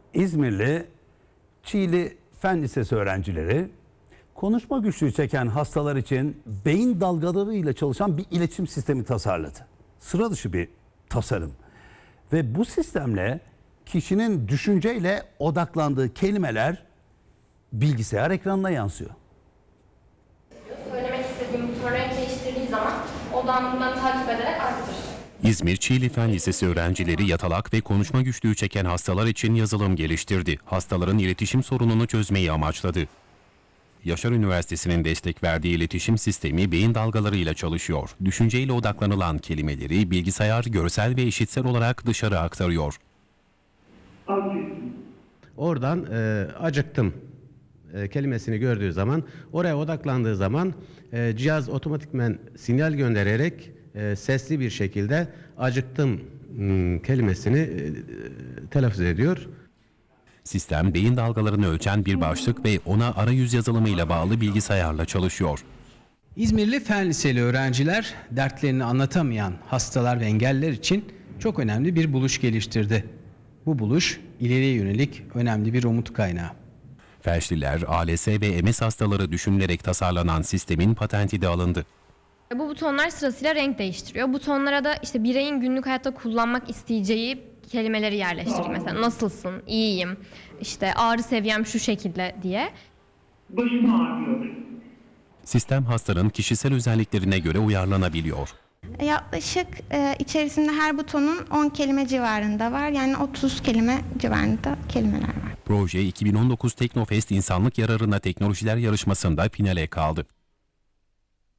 İzmirli Çiğli Fen Lisesi öğrencileri konuşma güçlüğü çeken hastalar için beyin dalgalarıyla çalışan bir iletişim sistemi tasarladı. Sıra dışı bir tasarım. Ve bu sistemle kişinin düşünceyle odaklandığı kelimeler bilgisayar ekranına yansıyor. Söylemek istediğim buton renk değiştirdiği zaman odağımı bundan takip ederek arttırır. İzmir Çiğli Fen Lisesi öğrencileri yatalak ve konuşma güçlüğü çeken hastalar için yazılım geliştirdi. Hastaların iletişim sorununu çözmeyi amaçladı. Yaşar Üniversitesi'nin destek verdiği iletişim sistemi beyin dalgalarıyla çalışıyor. Düşünceyle odaklanılan kelimeleri bilgisayar görsel ve işitsel olarak dışarı aktarıyor. Oradan acıktım kelimesini gördüğü zaman, oraya odaklandığı zaman cihaz otomatikmen sinyal göndererek sesli bir şekilde acıktım kelimesini telaffuz ediyor. Sistem beyin dalgalarını ölçen bir başlık ve ona arayüz yazılımıyla bağlı bilgisayarla çalışıyor. İzmirli Fen Liseli öğrenciler dertlerini anlatamayan hastalar ve engelliler için çok önemli bir buluş geliştirdi. Bu buluş ileriye yönelik önemli bir umut kaynağı. Felçliler, ALS ve MS hastaları düşünülerek tasarlanan sistemin patenti de alındı. Bu butonlar sırasıyla renk değiştiriyor. Butonlara da işte bireyin günlük hayatta kullanmak isteyeceği kelimeleri yerleştiriyor. Mesela nasılsın, iyiyim, işte ağrı seviyem şu şekilde diye. Başım ağrıyor. Sistem hastanın kişisel özelliklerine göre uyarlanabiliyor. Yaklaşık içerisinde her butonun 10 kelime civarında var. Yani 30 kelime civarında kelimeler var. Proje 2019 Teknofest İnsanlık Yararına Teknolojiler Yarışması'nda finale kaldı.